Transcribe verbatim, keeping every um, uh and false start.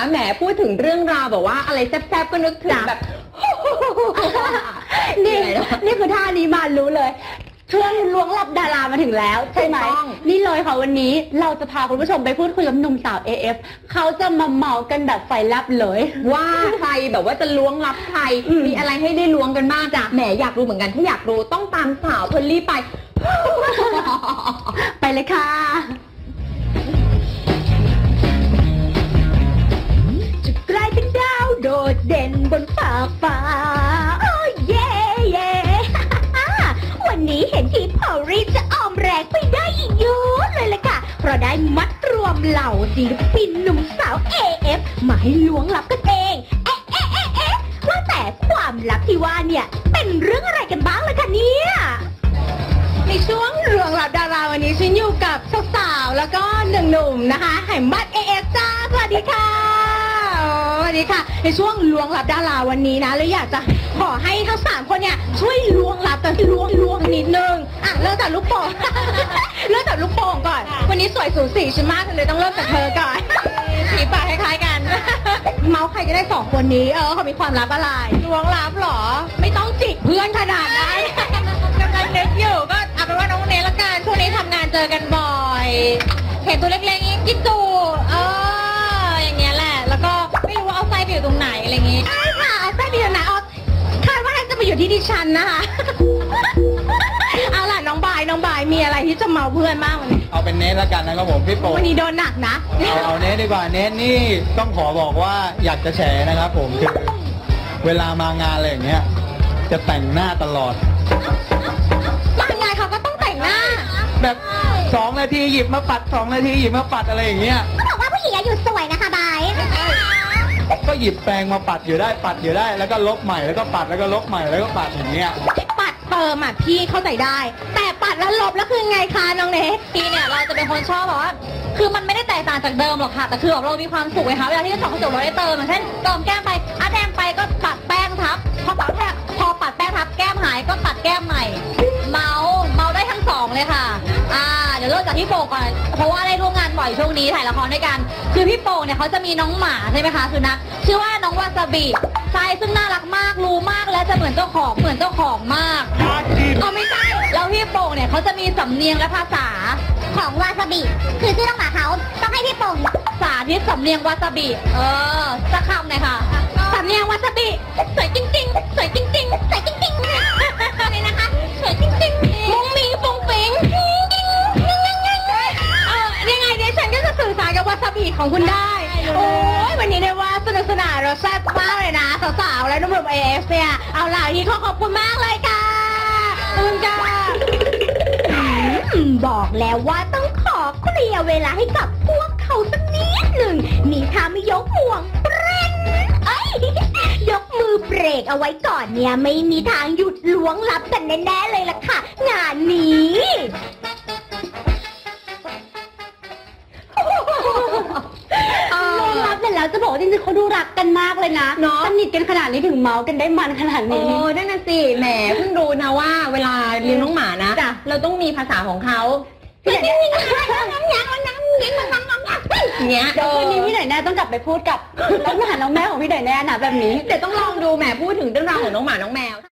แหมพูดถึงเรื่องราวแบบว่าอะไรแซ่บๆก็นึกถึงแบบนี่นี่คือท่านี้มารู้เลยช่วงล้วงลับดารามาถึงแล้วใช่ไหมนี่เลยค่ะวันนี้เราจะพาคุณผู้ชมไปพูดคุยกับหนุ่มสาว เอ เอฟ เขาจะมาเมากันแบบไฟลับเลยว่าใครแบบว่าจะล้วงลับใครมีอะไรให้ได้ล้วงกันบ้างจ้ะแหมอยากรู้เหมือนกันถ้าอยากรู้ต้องตามสาวเพลลี่ไปไปเลยค่ะจะกลายเป็นดาวโดดเด่นบนฟ้าฟ้าโอ้เย่เย่วันนี้เห็นทีพอรีจะออมแรงไปได้อีกเยอะเลยล่ะค่ะเพราะได้มัดรวมเหล่าศิลปินหนุ่มสาว เอ เอฟ มาให้ล้วงลับกันเองเอ๊ะเอ๊ะเอ๊ะเอ๊ะว่าแต่ความลับที่ว่าเนี่ยเป็นเรื่องอะไรกันบ้างล่ะคะเนี่ยในช่วงล้วงลับดาราวันนี้ฉันอยู่กับสาวๆแล้วก็หนึ่งหนุ่มนะคะแห่งบัตร เอ เอฟ จ้าสวัสดีค่ะสวัสดีค่ะในช่วงล้วงลับดาราวันนี้นะเลยอยากจะขอให้ทั้งสามคนเนี่ยช่วยล้วงลับกันล้วงล้วงนิดนึงอ่ะเริ่มจากลูกโป่งเริ่มจากลูกโป่งก่อนวันนี้สวยสูสีฉันมากเลยต้องเริ่มจากเธอก่อนสีปากคล้ายๆกันเมาส์ใครจะได้สองคนนี้เออเขามีความลับอะไรล้วงลับหรอไม่ต้องจิกเพื่อนขนาดนั้นกำลังนึกอยู่ก็เอาเป็นว่าน้องเนละกันช่วงนี้ทำงานเจอกันบ่อยเห็นตัวเล็กๆนี้กินจูเอออย่างเงี้ยแหละแล้วก็ไม่รู้ว่าเอาไส้ไปอยู่ตรงไหนอะไรอย่างงี้ใช่ค่ะเอาไส้ไปอยู่ไหนเอาคาดว่าน่าจะไปอยู่ที่ดิฉันนะคะเอาล่ะน้องบายน้องบายมีอะไรที่จะเมาเพื่อนบ้างวันนี้เอาเป็นเนทละกันนะครับผมพี่โป๊วันนี้โดนหนักนะเอาเอาเนทดีกว่าเนทนี่ต้องขอบอกว่าอยากจะแฉนะครับผมคือเวลามางานอะไรอย่างเงี้ยจะแต่งหน้าตลอดมางานเขาก็ต้องแต่งหน้าแบบสองนาทีหยิบมาปัดสองนาทีหยิบมาปัดอะไรอย่างเงี้ยก็บอกว่าผู้หญิงอยู่สวยนะคะบายก็หยิบแปรงมาปัดอยู่ได้ปัดอยู่ได้แล้วก็ลบใหม่แล้วก็ปัดแล้วก็ลบใหม่แล้วก็ปัดอย่างเงี้ยปัดเติมอ่ะพี่เข้าใจได้แต่ปัดแล้วลบแล้วคือไงคะน้องเนทพี่เนี่ยเราจะเป็นคนชอบแบบว่าคือมันไม่ได้แตกต่างจากเดิมหรอกค่ะแต่คือแบบเรามีความสุขไงคะเวลาที่เราส่องกระจกเราได้เติมอย่างเช่นเติมแก้มไปอ่ะแดงไปก็ปัดแป้งทับพอปัดแป้งพอปัดแป้งทับแก้มหายก็ปัดแก้มใหม่เมาเมาได้ทั้งสองเลยค่ะอ่าเดี๋ยวเริ่มจากพี่โป่งก่อนเพราะว่าได้ร่วมงานบ่อยช่วงนี้ถ่ายละครด้วยกันคือพี่โป่งเนี่ยเขาจะมีน้องหมาใช่ไหมคะคือนักชื่อว่าน้องวาซาบิใช่ซึ่งน่ารักมากรู้มากและจะเหมือนเจ้าของเหมือนเจ้าของมากเอาไม่ใช่แล้วพี่โป่งเนี่ยเขาจะมีสำเนียงและภาษาของวาซาบิคือชื่อน้องหมาเขาต้องให้พี่โป่งสาธิตสำเนียงวาซาบิเออสักคำหน่อยค่ะสำเนียงวาซาบิสวยจริงๆสวยจริงๆสวยจริงๆเลยนะคะสวยจริงๆมุ้งมิ้งปุ้งปิ๊งเออยังไงเนี่ยฉันก็จะสื่อสารกับวาซาบิของคุณได้โอ้ยวันนี้ได้ว่าสนุกสนานเราแซ่บมากเลยนะสาวๆและนุ่มๆ เอ เอฟ เนี่ยเอาล่ะที่ขอขอบคุณมากเลยค่ะขอบคุณจ้าบอกแล้วว่าต้องขอเคลียร์เวลาให้กับพวกเขาสักนิดหนึ่งนี่ถ้าไม่ยกห่วงเบรกเอ้ยยกมือเบรกเอาไว้ก่อนเนี่ยไม่มีทางหยุดล้วงลับกันแน่ๆเลยล่ะค่ะงานนี้ล้วงลับเสร็จแล้วจะบอกว่าจริงๆเขาดูรักกันมากเลยนะสนิทกันขนาดนี้ถึงเมาส์กันได้มันขนาดนี้โอ้นั่นน่ะสิแหมเพิ่งรู้นะว่าเวลาเลี้ยงน้องหมานะเราต้องมีภาษาของเขาพี่ไหนเนี่ยน้ำยังน้ำยังน้ำยังน้ำยังเนี้ยเดี๋ยวคืนนี้พี่ไหนแน่ต้องกลับไปพูดกับน้องหมาน้องแมวของพี่ไหนแน่นะแบบนี้เดี๋ยวต้องลองดูแหมพูดถึงเรื่องราวของน้องหมาน้องแมว